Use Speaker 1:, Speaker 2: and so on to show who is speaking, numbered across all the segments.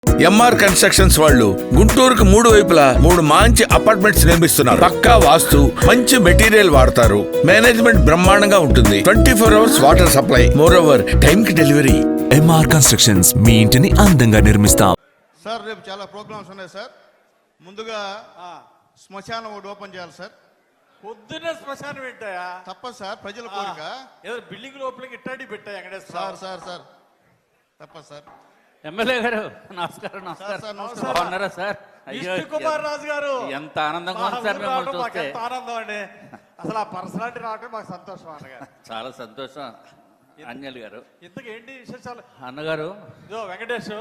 Speaker 1: MR constructions వాళ్ళు గుంటూరుకు 3 వైపులా 3 మంచి అపార్ట్మెంట్స్ నిర్మిస్తున్నారు. పక్కా వాస్తు, మంచి మెటీరియల్ వాడతారు. మేనేజ్మెంట్ బ్రహ్మాండంగా ఉంటుంది. 24 hours water supply, moreover time కి డెలివరీ.
Speaker 2: ఎంఆర్ కన్స్ట్రక్షన్స్ మీ ఇంటిని అందంగా నిర్మిస్తాం.
Speaker 3: సార్ రేపు చాలా ప్రోగ్రామ్స్ ఉన్నాయి సార్. ముందుగా శ్మశానం ఒకటి ఓపెన్ చేయాలి సార్.
Speaker 4: పొద్దున్నే శ్మశానం పెట్టాయా?
Speaker 3: తప్పదు సార్, ప్రజల కోరిక.
Speaker 4: ఏదో బిల్డింగ్ లోపలికి ఇట్టాడి పెట్టాయి వెంకటేశ్వర.
Speaker 3: సార్ సార్ సార్ తప్పదు సార్.
Speaker 5: ఎమ్మెల్యే గారు నమస్కారం.
Speaker 3: నమస్కారం.
Speaker 5: బాగున్నారా సార్?
Speaker 4: విష్ణు కుమార్ రాజు గారు
Speaker 5: ఎంత ఆనందంగా ఉంది సార్ మిమ్మల్ని చూస్తే.
Speaker 4: ఎంత ఆనందం అండి, అసలు ఆ పర్సనాలిటీ రావటం మాకు సంతోషం అన్నగారు.
Speaker 5: చాలా సంతోషం అంజలి గారు.
Speaker 4: ఇంతకు ఏంటి విశేషాలు
Speaker 5: అన్నగారు?
Speaker 4: ఇదో వెంకటేష్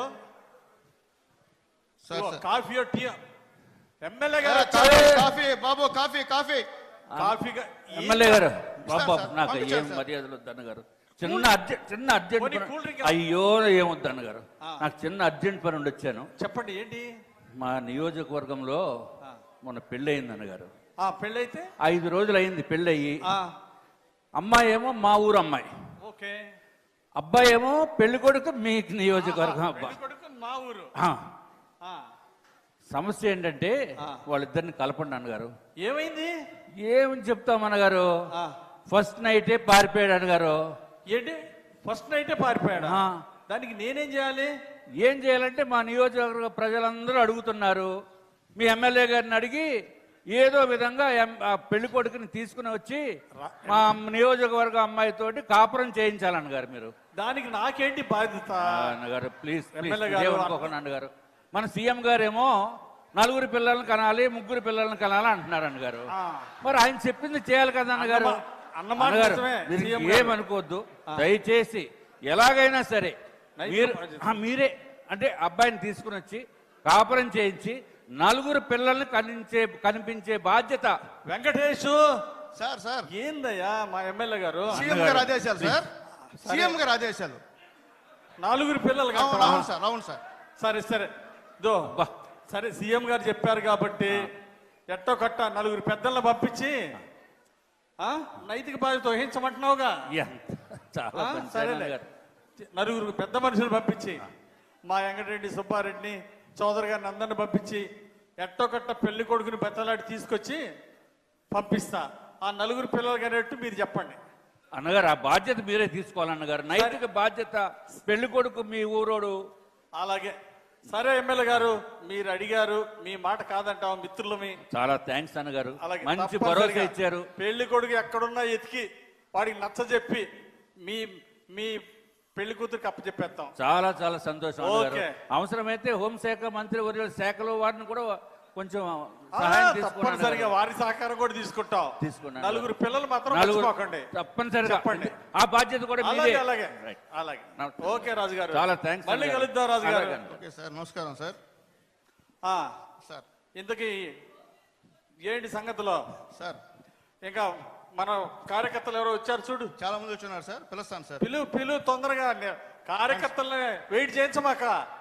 Speaker 4: కాఫీ టీ. ఎమ్మెల్యే గారు
Speaker 3: కాఫీ బాబు, కాఫీ కాఫీ
Speaker 4: కాఫీ.
Speaker 5: ఎమ్మెల్యే గారు బాబు
Speaker 3: సార్,
Speaker 5: నాకు
Speaker 3: పంపించాను
Speaker 5: ఏం
Speaker 3: సార్.
Speaker 5: మర్యాదలు వద్దు అన్నగారు. చిన్న అర్జెంట్
Speaker 4: పోనీ కూల్ డ్రింక్
Speaker 5: అయ్యో ఏమొద్దు అన్నగారు. నాకు చిన్న అర్జెంట్ పని ఉండి వచ్చాను.
Speaker 4: చెప్పండి ఏంటి?
Speaker 5: మా నియోజకవర్గంలో మొన్న పెళ్ళి అయింది అన్నగారు.
Speaker 4: పెళ్ళైతే
Speaker 5: 5 రోజులు అయింది పెళ్ళయి. అమ్మాయి ఏమో మా ఊరు అమ్మాయి,
Speaker 4: ఓకే.
Speaker 5: అబ్బాయి ఏమో పెళ్లి కొడుకు మీ నియోజకవర్గం అబ్బాయి.
Speaker 4: కొడుకు మా ఊరు.
Speaker 5: సమస్య ఏంటంటే వాళ్ళిద్దరిని కలపండి అన్నగారు.
Speaker 4: ఏమైంది?
Speaker 5: ఏమని చెప్తాం అన్నగారు? ఫస్ట్ నైటే పారిపోయాడు అన్నగారు.
Speaker 4: ఏంటి ఫస్ట్ నైటే పారిపోయాడు? దానికి నేనేం చేయాలి?
Speaker 5: ఏం చేయాలంటే మా నియోజకవర్గ ప్రజలందరూ అడుగుతున్నారు. మీ ఎమ్మెల్యే గారిని అడిగి ఏదో విధంగా ఆ పెళ్లి కొడుకుని తీసుకుని వచ్చి మా నియోజకవర్గ అమ్మాయితోటి కాపురం చేయించాలన్నగారు మీరు.
Speaker 4: దానికి నాకేంటి బాధ్యత?
Speaker 5: అన్నగారు ప్లీజ్
Speaker 4: ఎమ్మెల్యే
Speaker 5: అన్నగారు. మన సీఎం గారేమో 4 పిల్లల్ని కనాలి, 3 పిల్లల్ని కనాలి అంటున్నారు అన్నగారు. మరి ఆయన చెప్పింది చేయాలి కదా అన్నగారు. అన్నగారు ఏమనుకోవద్దు దయచేసి. ఎలాగైనా సరే మీరే అంటే అబ్బాయిని తీసుకుని వచ్చి కాపురం చేయించి 4 పిల్లల్ని కనిపించే బాధ్యత.
Speaker 4: వెంకటేష్
Speaker 3: సార్ సార్
Speaker 4: ఏందయ్యా మా ఎమ్మెల్యే గారు?
Speaker 3: సీఎం గారు ఆదేశాలు సార్, సీఎం గారు ఆదేశాలు.
Speaker 4: 4 పిల్లలు
Speaker 3: అవును సార్, అవును సార్.
Speaker 4: సరే సరే సరే సీఎం గారు చెప్పారు కాబట్టి ఎట్టో కట్ట 4 పెద్దలను పంపించి నైతిక బాధ్యత వహించమంటున్నావుగా.
Speaker 5: చాలా
Speaker 4: సరేలే, 4 పెద్ద మనుషులు పంపించి మా వెంకటరెడ్డి సుబ్బారెడ్డిని చౌదరి గారిని అందరిని పంపించి ఎట్టో కట్ట పెళ్లి కొడుకుని బెత్తలాడి తీసుకొచ్చి పంపిస్తా. ఆ 4 పిల్లలు అనేట్టు మీరు చెప్పండి
Speaker 5: అన్నగారు. ఆ బాధ్యత మీరే తీసుకోవాలన్నగారు. నైతిక బాధ్యత. పెళ్లి కొడుకు మీ ఊరోడు.
Speaker 4: అలాగే సరే ఎమ్మెల్యే గారు, మీరు అడిగారు, మీ మాట కాదంటాం మిత్రులమి.
Speaker 5: చాలా థ్యాంక్స్ అన్నగారు,
Speaker 4: అలాగే
Speaker 5: మంచి భరోసా ఇచ్చారు.
Speaker 4: పెళ్లి కొడుకు ఎక్కడున్నా ఎతికి వాడికి నచ్చ చెప్పి మీ మీ పెళ్లి కూతురికి అప్పచెప్పేస్తాం.
Speaker 5: చాలా చాలా సంతోషం అన్నగారు. అవసరమైతే హోంశాఖ మంత్రి వర్యుల శాఖలో వారిని కూడా కొంచెం సహాయం
Speaker 4: తప్పనిసరిగా వారి సహకారం కూడా తీసుకుంటాం. 4 పిల్లలు మాత్రం మర్చిపోకండి.
Speaker 5: తప్పనిసరిగా చెప్పండి. ఆ బాధ్యత కూడా మీదే.
Speaker 4: అలాగే అలాగే. ఓకే రాజు గారు,
Speaker 5: చాలా థ్యాంక్స్.
Speaker 4: మళ్ళీ కలుద్దాం రాజు గారు.
Speaker 3: ఓకే సార్, నమస్కారం సార్. సార్
Speaker 4: ఇంతకీ ఏంటి సంగతిలో
Speaker 3: సార్?
Speaker 4: ఇంకా మన కార్యకర్తలు ఎవరో వచ్చారు చూడు.
Speaker 3: చాలా మంది వచ్చున్నారు సార్, పిలుస్తాను సార్.
Speaker 4: పిలు తొందరగా. కార్యకర్తలని వెయిట్ చేయించమాక.